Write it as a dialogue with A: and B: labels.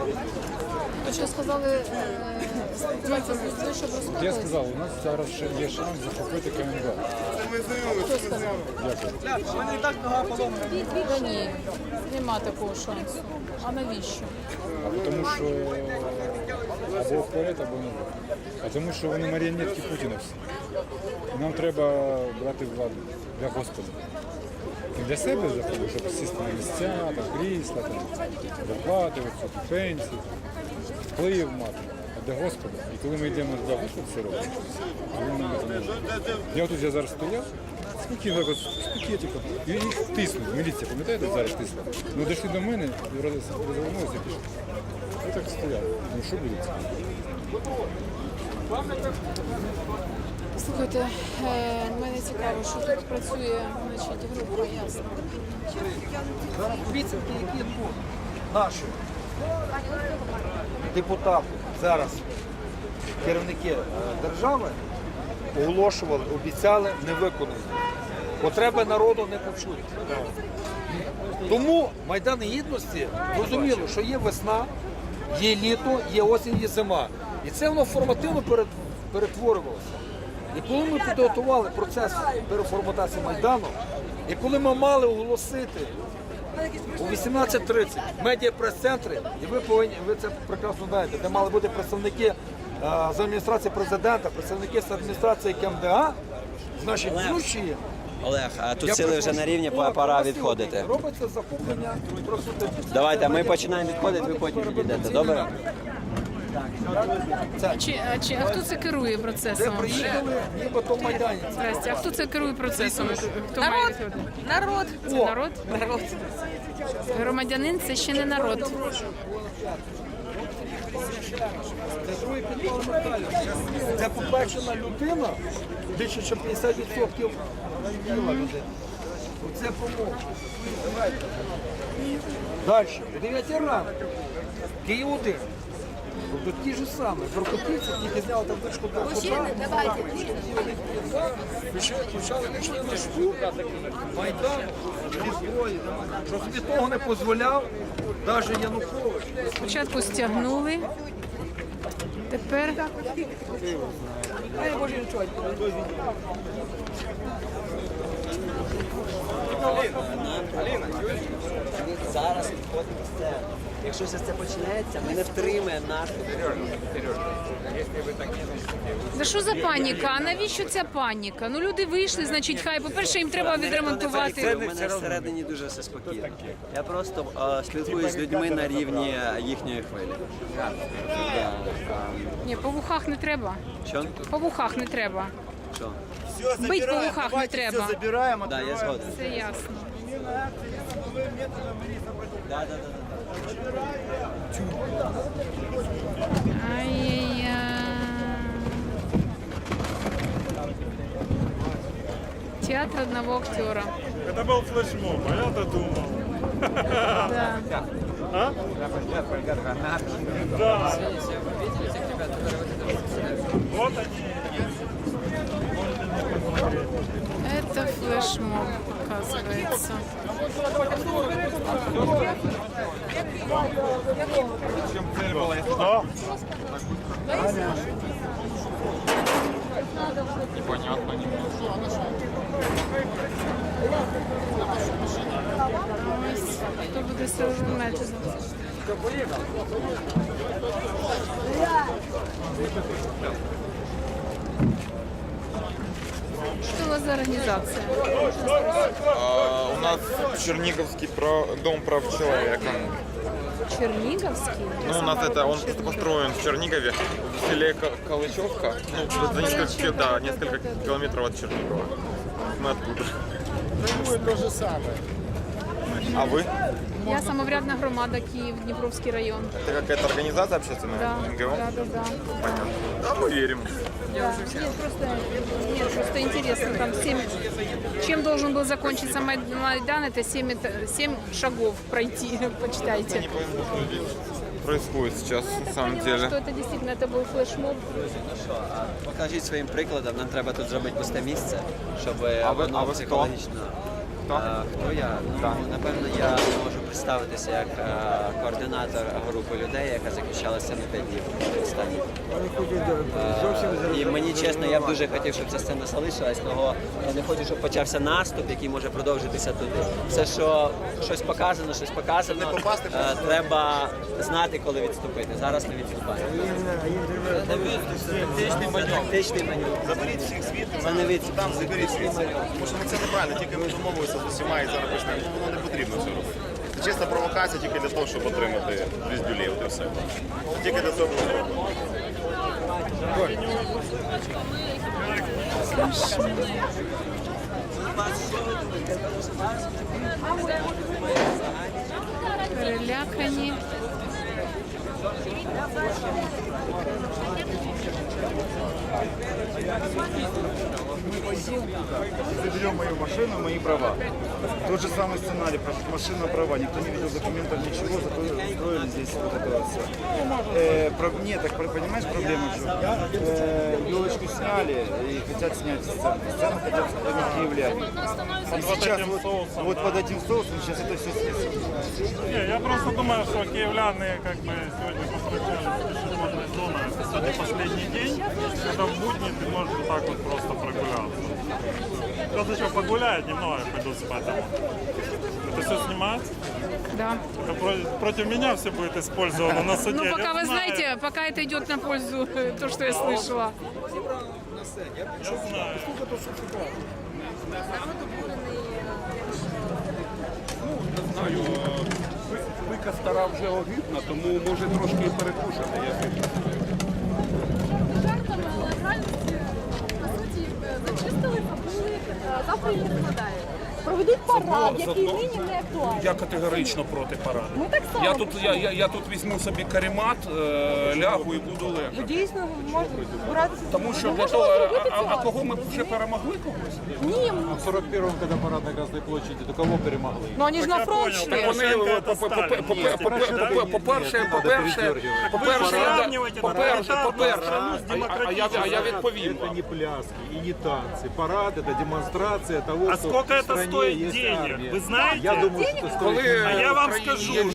A: То що сказали, спілкуватися з людьми, щоб розходилися?
B: Я сказав, у нас зараз ще є шанс захопити КМДА.
A: Хто сказав?
B: Дякую.
A: Та ні, нема такого шансу. А навіщо?
B: Тому що або вперед, або не. А тому що вони маріонетки Путіна всі. І нам треба брати владу для Господа. Не для себе заходу, щоб сісти на місця, там, крісла, там, зарплати, пенсії, вплив мати. А для Господа. І коли ми йдемо до Господа, все робимо. Я тут зараз стояв, спокійно, спокійно, і їх тиснуть. Міліція, пам'ятаєте, зараз тиснула? Ну, дійшли до мене, і розвернулися і пішли. Я так стояв. Ну, що буде?
A: Слухайте, мене цікаво, що тут працює, значить, група, ясно.
C: Підсумки, які наші депутати зараз, керівники держави, оголошували, обіцяли, не виконали. Потреби народу не почують. Тому Майдан Гідності зрозуміло, що є весна, є літо, є осінь, є зима. І це воно формативно перетворювалося. І коли ми підготували процес переформатації Майдану, і коли ми мали оголосити у 18:30 медіа-прес-центри, і ви це прекрасно знаєте, де мали бути представники з адміністрації президента, представники з адміністрації КМДА, значить, ключі.
D: Олег, а тут сили вже на рівні, пора відходити.
C: Робиться захоплення.
D: Давайте, ми починаємо відходити, ви потім відійдете, добре?
A: А хто це керує
C: Де
A: процесом?
C: приїхали, нібито майданці.
A: Здрасте, а хто це керує процесом? Хто має відходити?
E: Народ.
A: Це народ? Народ. Громадянин – це ще не народ.
C: Це другий підпал Михайло. Це попереджена людина, більше ніж 50% тіла людини. Оце помога. Далі. О 9 ранку. Київ-1. Тут ті ж самі. Беркутівці, тільки зняли табличку Беркута. Почали пішли на штурм Майдану зі зброї. Що собі того не дозволяв навіть Янукович.
A: Спочатку стягнули, тепер
D: Зараз відходимо з сцени. Якщо все це почнеться, ми не втримаємо нашу.
A: Да що за паніка? А навіщо ця паніка? Ну люди вийшли, значить, хай. По-перше, їм треба відремонтувати.
D: У мене всередині дуже все спокійно. Я просто спілкуюсь з людьми на рівні їхньої хвилі.
A: Ні, по вухах не треба.
D: Що?
A: По вухах не треба.
D: Що?
A: Бить по вухах не треба.
D: Да, я згоден.
A: Це ясно.
D: Да.
A: Ай-яй-яй. Театр одного актера.
F: Это был флешмоб, а я-то думал.
A: Да.
F: А? Да. Вот они.
A: Это флешмоб, оказывается.
F: А?
A: Ось, хто буде силовим методом. Что у вас за организация?
G: У нас Черниговский дом прав человека.
A: Черниговский?
G: Ну, у нас это, он построен в Чернигове, в селе Калычевка, ну, за несколько километров от Чернигова. Мы оттуда. А вы?
A: Я самоврядная громада, Киев, Днепровский район.
G: Это какая-то организация общественная?
A: Да,
G: НГО?
A: да.
G: Понятно. Да, мы верим.
A: Да. Нет, просто интересно, там чем должен был закончиться Майдан, это 7 шагов пройти, почитайте.
G: Не пойму, что здесь происходит сейчас на самом
A: Я поняла,
G: деле.
A: что это действительно это был флешмоб.
D: Покажіть своїм прикладом, нам треба тут зробити пусте місце, щоб
G: А ви
D: воно
G: хто?
D: психологічно. Хто я? Ну, напевно, я не можу представитися як координатор групи людей, яка захищалася на 5 днів останні. І мені чесно, я б дуже хотів, щоб ця сцена залишилась, але я не хочу, щоб почався наступ, який може продовжитися туди. Все, що щось показано, треба знати, коли відступити. Зараз не відступаємо. Тактичний маневр.
E: Заберіть всіх звідти,
D: Це не відступ.
E: там заберіть звідси. Тому що це неправильно, тільки ми домовилися з усіма і зараз почнемо. Воно не потрібно це робити. Це чиста провокація тільки для того, щоб отримати різдюлів і все. Тільки для цього було зроблено.
A: Перелякані.
B: Заберем мою машину, мои права. Тот же самый сценарий, машина, права. Никто не видел документов, ничего, зато устроили здесь вот это вот все. Нет, так понимаешь, проблема в чем? Елочку сняли и хотят снять сцену. Сцену хотят сохранить киевляне. И сейчас вот под этим соусом сейчас это все снесут.
F: Не, я просто думаю, что киевляне как бы сегодня попрощались с пешеходной зоной. Это сегодня последний день, когда в будни ты можешь вот так вот просто прогуляться. Сейчас еще погуляют немного, пойду спать. Это все снимать?
A: Да.
F: Это против меня все будет использовано на суде.
A: Ну,
F: Я
A: пока вы
F: знаю.
A: знаете, пока это идет на пользу, то, что я слышала.
F: Я знаю.
H: Пика стара вже огидна, тому може трошки і перекушати.
I: Жартами, але в реальності, по суті, зачистили, побули, завтра їх не згадає. Проведуть парад, який нині не актуальний.
H: Я категорично проти параду.
I: Ми так само.
H: Я тут візьму собі каремат, лягу і буду лежати.
I: Дійсно, можна збиратися.
H: Тому що
I: Ми
H: для
I: можемо
H: того,
I: зробити
H: а
I: цього.
H: кого ми вже перемогли когось?
I: Ні,
B: В 41-м, когда парад на Красной площади, то кого перемогли?
I: ну вони ж на
F: Я
I: фронт
F: понял,
I: йшли.
F: так
H: Вони,
F: Порошенко це Сталін.
H: я відповім вам.
J: Не пляски и не танцы. Парад — это демонстрация того,
F: А
J: что
F: сколько
J: в
F: это
J: стране
F: стоит
J: есть
F: денег?
J: армия.
F: Вы знаете?
J: Я думаю, что стоит.
H: Коли
F: А я вам
H: в країні
F: скажу,
H: є